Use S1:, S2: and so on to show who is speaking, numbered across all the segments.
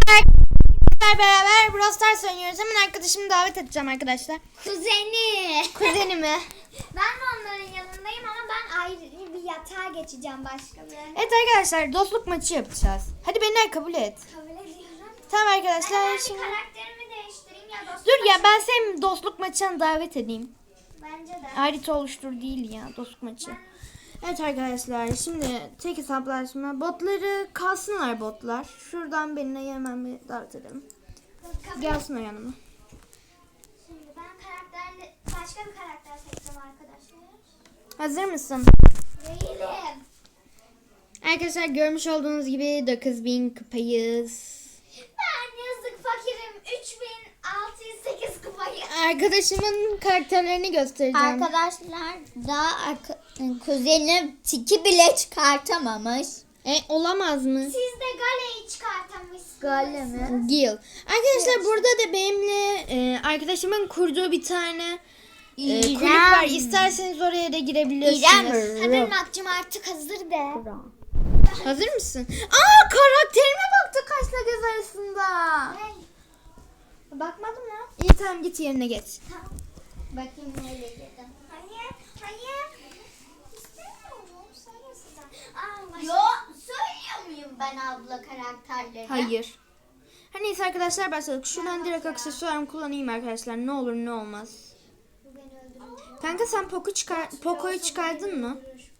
S1: Beraber Brawl Stars oynuyoruz. Hemen arkadaşımı davet edeceğim arkadaşlar. Kuzenimi.
S2: Ben de onların yanındayım ama ben ayrı bir yatağa geçeceğim başka bir.
S1: Evet arkadaşlar, dostluk maçı yapacağız. Hadi beni kabul et.
S2: Kabul ediyorum.
S1: Tamam arkadaşlar,
S2: Ben
S1: şimdi
S2: karakterimi değiştireyim ya dostluk.
S1: dur ya, ben seni dostluk maçına davet edeyim.
S2: Bence de.
S1: Harita oluştur değil ya, dostluk maçı. Evet arkadaşlar, şimdi tek hesaplaşma. Botları kalsınlar botlar. Şuradan beni hemen bir davet edelim. Gelsin o yanıma.
S2: Şimdi ben başka bir karakter seçeceğim arkadaşlar.
S1: Hazır mısın?
S2: Değilim.
S1: Arkadaşlar, görmüş olduğunuz gibi 9000 kupayız.
S2: Ben yazık fakirim. 3608 kupayı.
S1: Arkadaşımın karakterlerini göstereceğim.
S3: Arkadaşlar daha kuzenim tiki bile çıkartamamış.
S1: Olamaz mı?
S2: Siz de Gale'yi çıkartamışsınız.
S3: Gale mi?
S1: Gil. Arkadaşlar, burada da benimle arkadaşımın kurduğu bir tane kulüp var. İsterseniz oraya da girebilirsiniz.
S2: Hadi Makcım artık hazır de.
S1: Hazır mısın? Aa, karakterime baktı kaşla göz arasında.
S2: Hey. Bakmadım ya.
S1: İyi, tamam, git yerine geç.
S3: Bakayım nereye girdim.
S2: Hayır. İstemiyorum. Söylesin.
S3: Yo, söylüyor muyum ben abla karakterleri?
S1: Hayır. Her neyse arkadaşlar, başladık. Şuradan direkt aksesuarımı kullanayım arkadaşlar. Ne olur ne olmaz.
S2: Bu beni öldürür.
S1: Kanka, sen Poco'yu çıkardın mı?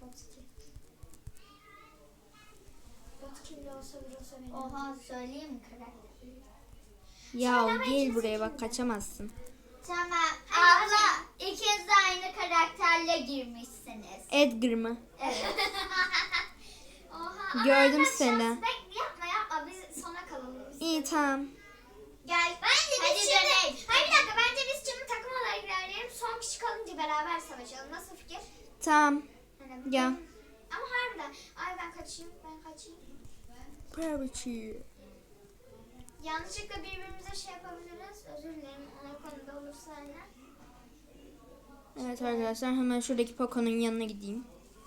S2: Bot kimli olsa vurursa beni.
S3: Oha, söyleyeyim mi karakter?
S1: Ya gel buraya bak, kaçamazsın.
S3: Tamam abla, ikiniz de aynı karakterle girmişsiniz.
S1: Edgar mı?
S3: Evet.
S2: Oha.
S1: Gördüm
S2: Ama
S1: seni.
S2: Yapma biz sona kalalım.
S1: İyi, tamam.
S2: Gel. Bence
S3: Hadi
S2: biz şimdi.
S3: dönelim.
S2: Hayır bir dakika, bence biz şimdi takım olarak ilerleyelim. Son kişi kalınca beraber savaşalım. Nasıl fikir?
S1: Tamam.
S2: Hani
S1: Gel.
S2: Ama harbiden. Ay ben kaçayım. Yanlışlıkla birbirimize şey yapabiliriz. Özür dilerim. O konuda olursa hani.
S1: Evet arkadaşlar, hemen şuradaki Poco'nun yanına gideyim.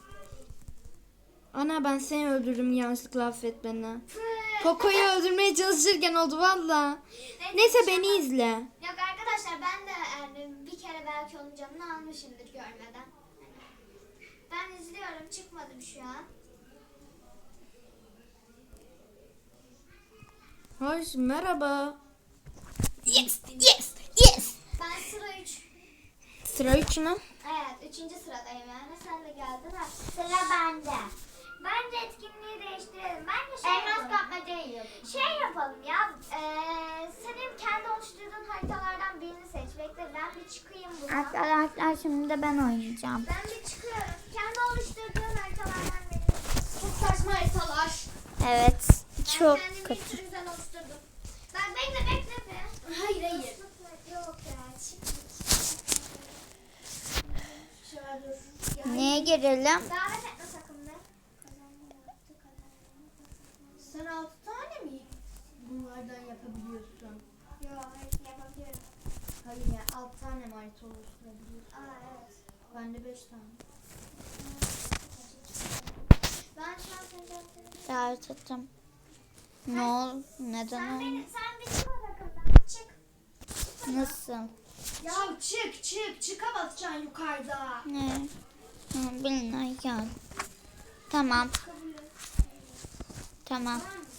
S1: Ana, ben seni öldürdüm, yanlışlıkla affet beni. Poco'yu öldürmeye çalışırken oldu valla. Neyse, beni izle.
S2: Yok arkadaşlar, ben de yani bir kere belki onun canını almışımdır görmeden. Ben izliyorum, çıkmadım şu an.
S1: Hoş, merhaba.
S3: Yes.
S2: Ben sıra 3.
S1: Sıra 3 mü?
S2: Evet, 3. sıradayım yani. Sen de geldin ha.
S3: Sıra bende.
S2: Bence etkinliği değiştirelim. Bence
S3: Elmas kapmacayı yap.
S2: Şey yapalım ya. Senin kendi oluşturduğun haritalardan birini seç. Bekle, ben bir çıkayım buradan.
S3: Arkadaşlar şimdi de ben oynayacağım.
S2: Ben bir çıkıyorum. Kendi oluşturduğun haritalardan birini. Çok saçma haritalar.
S3: Evet, çok
S2: Ben kendimi
S3: kötü.
S2: bir sürü güzel oluşturdum. Ben bekle be. Hayır. Yok ya, çık. Şöyle dur. Ya,
S3: Neye girelim?
S2: davet etme sakın be.
S1: Sen 6 tane mi bunlardan yapabiliyorsun?
S2: Yok, yapabiliyorum.
S1: Hayır ya, 6 tane harita oluşturabiliyorsun.
S2: Aa evet.
S1: Ben de 5 tane.
S2: Ben şu an seni davet
S3: Davet ettim. Ne ol? Neden
S2: Sen
S3: oldu?
S2: bir çık o takımdan. Çık.
S3: Nasıl?
S1: Ya çıka basacaksın yukarıda.
S3: Ne? Bilmem gel. Tamam. Tamam.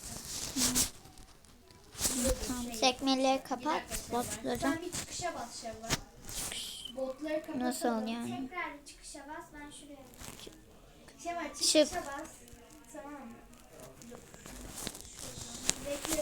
S3: Tamam. Sekmeleri kapat. Botları.
S1: Sen bir çıkışa bas Şevval. Botları kapatalım.
S3: Nasıl yani?
S2: Tekrar bir çıkışa bas. Ben şuraya.
S1: Şevval,
S3: Çık.
S1: çıkışa bas. Tamam mı? Bekle.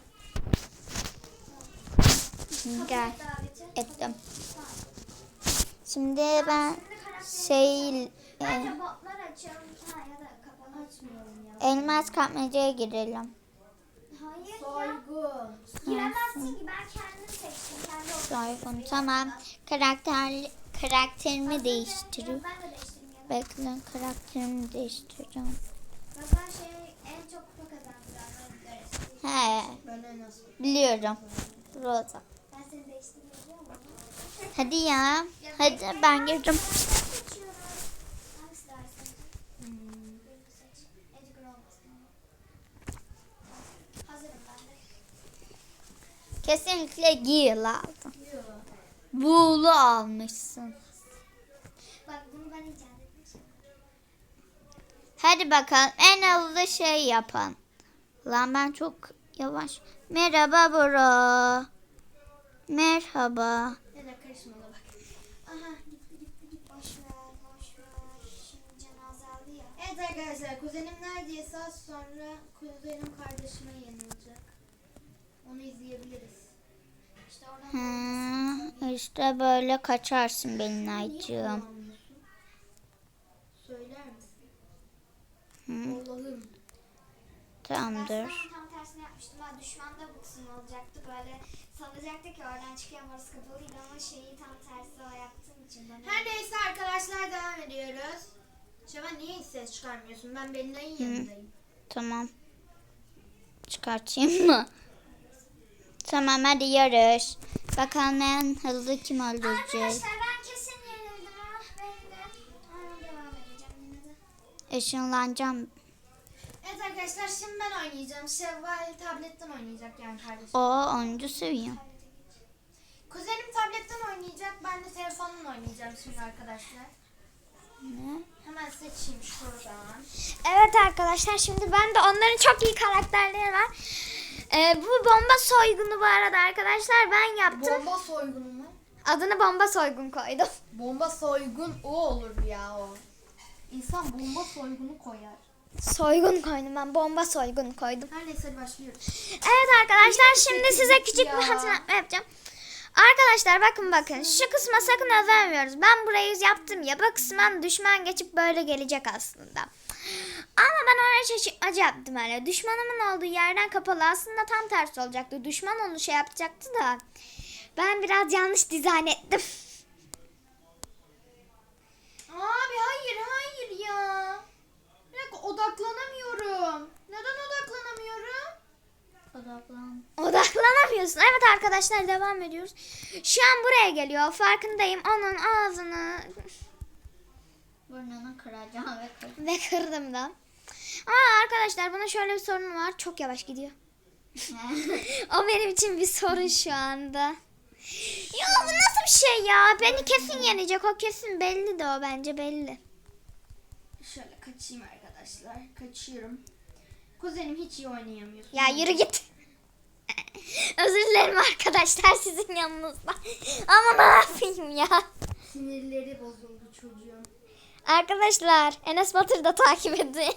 S3: Gel.
S2: Daveti.
S3: Ettim. Şimdi ben şey
S2: Bence botlar açalım. Ha, ya da kapalı.
S1: Açmıyorum ya.
S3: elmas kapmacaya girelim.
S2: Hayır ya.
S1: Soygu.
S2: Giremezsin ki, ben kendim seçtim. Kendi
S3: Soygun. Tamam. Karakterimi değiştiriyorum.
S2: Ben de değiştireyim ya.
S3: Bekle, karakterimi değiştireceğim.
S2: Bak ben en çok kupa kazandıranları görürsün.
S3: He,
S1: Ben en az.
S3: biliyorum. Rosa.
S2: Ben seni değiştirmeyi biliyorum ama.
S3: Hadi ya. Hadi ben girdim.
S2: Seçiyorum. Hangisi daha iyi? Birini seç. Edgar olmasın ama. Hazırım ben de.
S3: Kesinlikle Gil aldın. Buğulu almışsın.
S2: Bak bunu ben icat etmişim.
S3: Hadi bakalım en hızlı şey yapan. Lan ben çok yavaş. Merhaba bro. Merhaba.
S1: Ya da karışma da bak.
S2: Aha gitti. Boş ver. Şimdi cenaze aldı ya.
S1: Evet arkadaşlar kuzenim neredeyse az sonra kuzenim kardeşime yenilecek. Onu izleyebiliriz.
S2: İşte oradan
S3: İşte böyle kaçarsın benim
S1: Niye
S3: aycığım.
S1: kullanmıyorsun? Söyler misin? Allah'ım.
S3: Tamamdır.
S2: Ben tam tersini yapmıştım. Ben düşmanda bu kısım olacaktı. Böyle sanacaktı ki oradan çıkan orası kapalıydı ama şeyi tam tersi o yaptığım için.
S1: Her neyse arkadaşlar devam ediyoruz. Şaban niye hiç ses çıkarmıyorsun? Ben Belinay'ın yanındayım.
S3: Tamam. Çıkartayım mı? Tamam hadi yarış. Bakalım en hızlı kim öldürecek.
S2: Arkadaşlar ben kesin yenildim. Ben de. Ama devam edeceğim yine de.
S3: Işınlanacağım.
S1: Evet arkadaşlar şimdi ben oynayacağım. Şevval tabletten oynayacak yani kardeşim.
S3: O 10. seviyem.
S1: Kuzenim tabletten oynayacak. Ben de telefonla oynayacağım şimdi arkadaşlar.
S3: Ne?
S1: Hemen seçeyim şuradan.
S2: Evet arkadaşlar şimdi ben de onların çok iyi karakterleri var. Bu bomba soygunu bu arada arkadaşlar ben yaptım.
S1: Bomba soygunu mu?
S2: Adını bomba soygun koydum.
S1: Bomba soygun o olur ya o. İnsan bomba soygunu koyar.
S2: Soygun koydum ben bomba soygun koydum.
S1: Her neyse hadi başlıyoruz.
S2: Evet arkadaşlar şimdi size küçük
S1: ya?
S2: bir hatırlatma yapacağım. Arkadaşlar bakın şu kısma sakın özenmiyoruz. Ben burayı yaptım ya bu kısmen düşman geçip böyle gelecek aslında. Ama ben oraya şaşırtmacı yaptım öyle. Düşmanımın olduğu yerden kapalı aslında tam tersi olacaktı. Düşman onu şey yapacaktı da ben biraz yanlış dizayn ettim.
S1: Abi hayır ya. Bir dakika odaklanamıyorum. Neden odaklanamıyorum?
S2: Odaklanamıyorsun. Evet arkadaşlar devam ediyoruz. Şu an buraya geliyor. Farkındayım. Onun ağzını
S3: Burnunu kıracağım ve kıracağım.
S2: ve kırdım da. Ama arkadaşlar bunun şöyle bir sorunu var. Çok yavaş gidiyor. O benim için bir sorun şu anda. Ya bu nasıl bir şey ya? Beni kesin yenecek. O kesin belli de o bence belli.
S1: Şöyle kaçayım arkadaşlar. Kaçıyorum. Kuzenim hiç iyi oynayamıyor.
S2: Ya yürü git. Özür dilerim arkadaşlar sizin yanınızda. Ama ne yapayım ya?
S1: Sinirleri bozuldu çocuğun.
S2: Arkadaşlar Enes Batur'u da takip edin.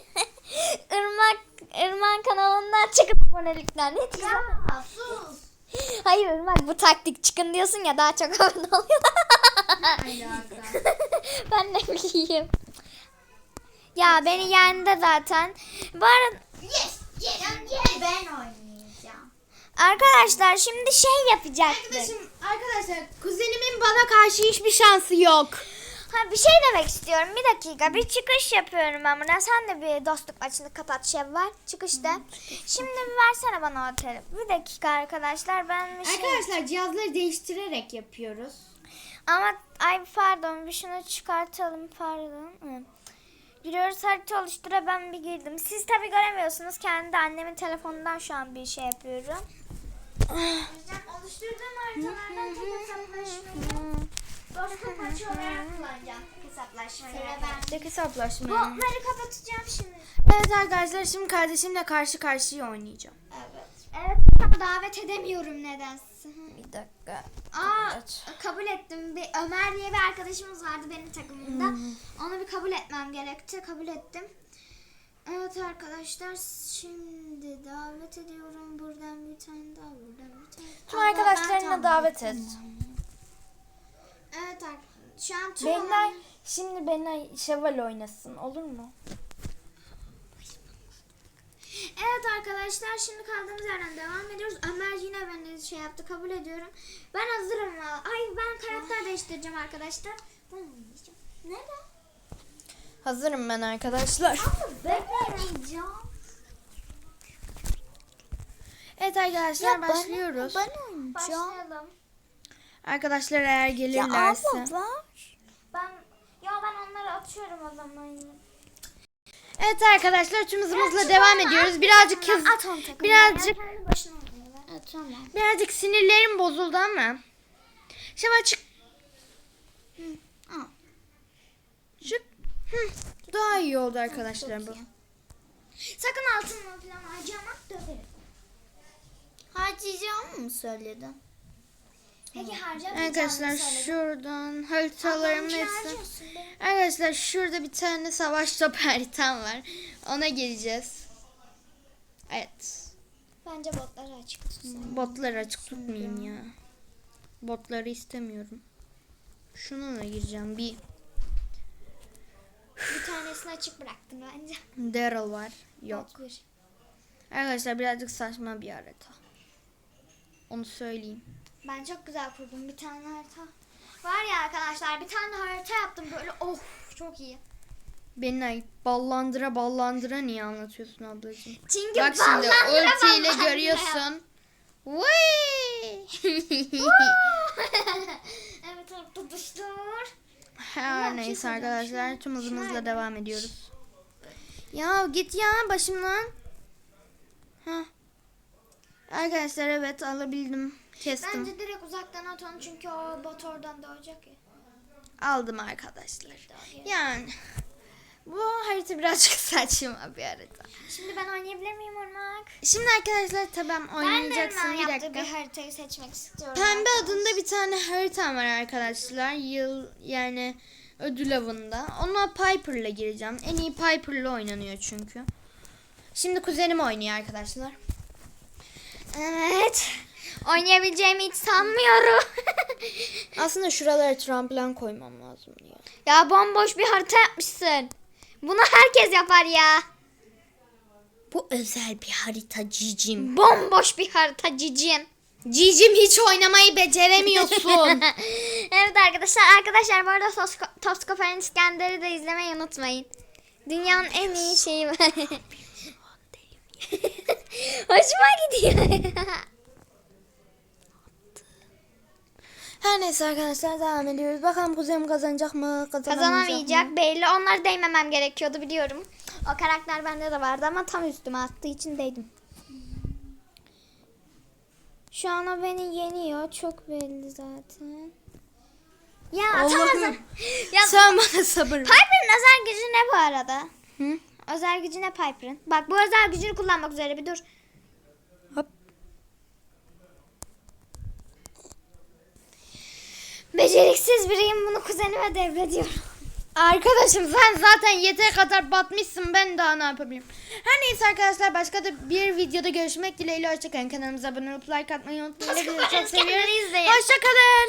S2: Irmak kanalından çıkın abonelikten. Ne diyeceğim?
S1: Ya sus.
S2: Hayır Irmak bu taktik çıkın diyorsun ya daha çok abone oluyor.
S1: Alaka.
S2: Ben ne bileyim. Ya beni yendi zaten. Bu arada
S3: Yes ben oynayacağım.
S2: arkadaşlar şimdi şey yapacaktık.
S1: Arkadaşlar kuzenimin bana karşı hiçbir şansı yok.
S2: Ha bir şey demek istiyorum. Bir dakika bir çıkış yapıyorum ben buradan. Sen de bir dostluk maçını kapat Şevval. Çıkışta. Şimdi bir versene bana o telefonu. Bir dakika arkadaşlar ben bir şey...
S1: Arkadaşlar cihazları değiştirerek yapıyoruz.
S2: Ama ay pardon bir şunu çıkartalım pardon. Hı. Giriyoruz harita oluştura ben bir girdim. Siz tabi göremiyorsunuz. Kendi annemin telefonundan şu an bir şey yapıyorum. Oluşturduğum haritalardan tek hesaplaşmayı dostluk maçı olarak kullanacağım. Tek hesaplaşmayı.
S1: Tek hesaplaşma.
S2: Botları kapatacağım şimdi.
S1: Evet arkadaşlar şimdi kardeşimle karşı karşıya oynayacağım.
S2: Evet davet edemiyorum nedense.
S1: Bir dakika.
S2: Kabul ettim. Ömer diye bir arkadaşımız vardı benim takımımda. Onu bir kabul etmem gerekti. Kabul ettim. Evet arkadaşlar şimdi davet ediyorum. Buradan bir tane daha. Buradan bir tane.
S1: Tüm arkadaşlarına davet et.
S2: Evet şu an tüm
S1: Benler şimdi Benler Şevval oynasın olur mu?
S2: Evet arkadaşlar şimdi kaldığımız yerden devam ediyoruz. Ömer yine beni şey yaptı kabul ediyorum. Ben hazırım. Ay ben karakter değiştireceğim arkadaşlar. Ben oynayacağım. Neden?
S1: Hazırım ben arkadaşlar.
S2: Ben oynayacağım.
S1: Evet arkadaşlar başlıyoruz.
S2: Başlayalım.
S1: Arkadaşlar eğer gelirlerse.
S2: Ben onları atıyorum o zaman.
S1: Evet arkadaşlar tüm hızımızla devam ediyoruz. Birazcık hız.
S2: At onu takımdan.
S1: birazcık
S2: Kendi başına oynuyorlar.
S3: tamam.
S1: Birazcık sinirlerim bozuldu ama. Şimdi açık.
S3: Al.
S1: Çık. Daha iyi oldu arkadaşlar bu.
S3: Çok iyi.
S2: Sakın altınla falan harcama, döverim.
S3: Harcayacağımı mı söyledin?
S2: Peki harcamayacağını
S1: Arkadaşlar
S2: söyledim.
S1: şuradan haritalarımın
S2: Ablamınki
S1: hepsi.
S2: harcıyorsun be.
S1: Arkadaşlar şurada bir tane savaş topu haritam var. Ona gireceğiz. Evet.
S2: Bence botları açık tutsun.
S1: Botları açık tutmayayım ya. Botları istemiyorum. Şununla gireceğim. Bir
S2: Bir tanesini açık bıraktın bence.
S1: Daryl var. Yok.
S2: Bot bir.
S1: Arkadaşlar birazcık saçma bir harita. Onu söyleyeyim.
S2: Ben çok güzel kurdum bir tane harita. Var ya arkadaşlar, bir tane harita yaptım böyle, of çok iyi.
S1: Beni ayıp ballandıra ballandıra niye anlatıyorsun ablacığım?
S2: Çünkü
S1: Bak şimdi
S2: ballandıra
S1: ultiyle
S2: ballandıra.
S1: görüyorsun. Vay!
S2: Evet, tutuştur.
S1: Her
S2: bir şey
S1: neyse
S2: söyleyeceğim.
S1: arkadaşlar tüm hızımızla
S2: şuna-
S1: devam ediyoruz. Ya git ya başımdan. Heh. Arkadaşlar evet alabildim. Kestim.
S2: Bence direkt uzaktan at onu, çünkü o bot oradan doğacak ya.
S1: Aldım arkadaşlar. Yani bu harita birazcık saçma bir harita.
S2: Şimdi ben oynayabilir miyim Irmak?
S1: Şimdi arkadaşlar tabii oynayacaksın
S2: Ben de
S1: bir
S2: yaptığı
S1: dakika.
S2: bir haritayı seçmek istiyorum.
S1: Pembe adında bir tane haritam var arkadaşlar. Yıl yani ödül avında. Ona Piper'la gireceğim. En iyi Piper'la oynanıyor çünkü. Şimdi kuzenim oynuyor arkadaşlar.
S2: Evet. Oynayabileceğimi hiç sanmıyorum.
S1: Aslında şuralara tramplin koymam lazım ya.
S2: Ya bomboş bir harita yapmışsın. Bunu herkes yapar ya.
S1: Bu özel bir harita cicim.
S2: Bomboş bir harita cicim.
S1: Cicim hiç oynamayı beceremiyorsun.
S2: Evet arkadaşlar bu arada Toskofer'in İskender'i de izlemeyi unutmayın. Dünyanın en iyi şeyi var. Hoşuma gidiyor.
S1: Her neyse arkadaşlar devam ediyoruz. Bakalım kuzenim kazanacak mı?
S2: Kazanamayacak belli. Onları değmemem gerekiyordu, biliyorum. O karakter bende de vardı ama tam üstüme attığı için değdim. Şu an o beni yeniyor. Çok belli zaten. Ya
S1: Allah'ım.
S2: atamazım. Ya
S1: Sen bana sabır ver.
S2: Piper'ın özel gücü ne bu arada?
S1: Hı?
S2: Özel gücü ne Piper'ın? Bak, bu özel gücünü kullanmak üzere, bir dur.
S1: Hop.
S2: Beceriksiz biriyim, bunu kuzenime devrediyorum.
S1: Arkadaşım sen zaten yeteri kadar batmışsın, ben daha ne yapabilirim? Her neyse arkadaşlar başka da bir videoda görüşmek dileğiyle, hoşçakalın. Kanalımıza abone olup like atmayı unutmayın. Hepinizi çok seviyorum.
S2: İzleyin.
S1: Hoşçakalın.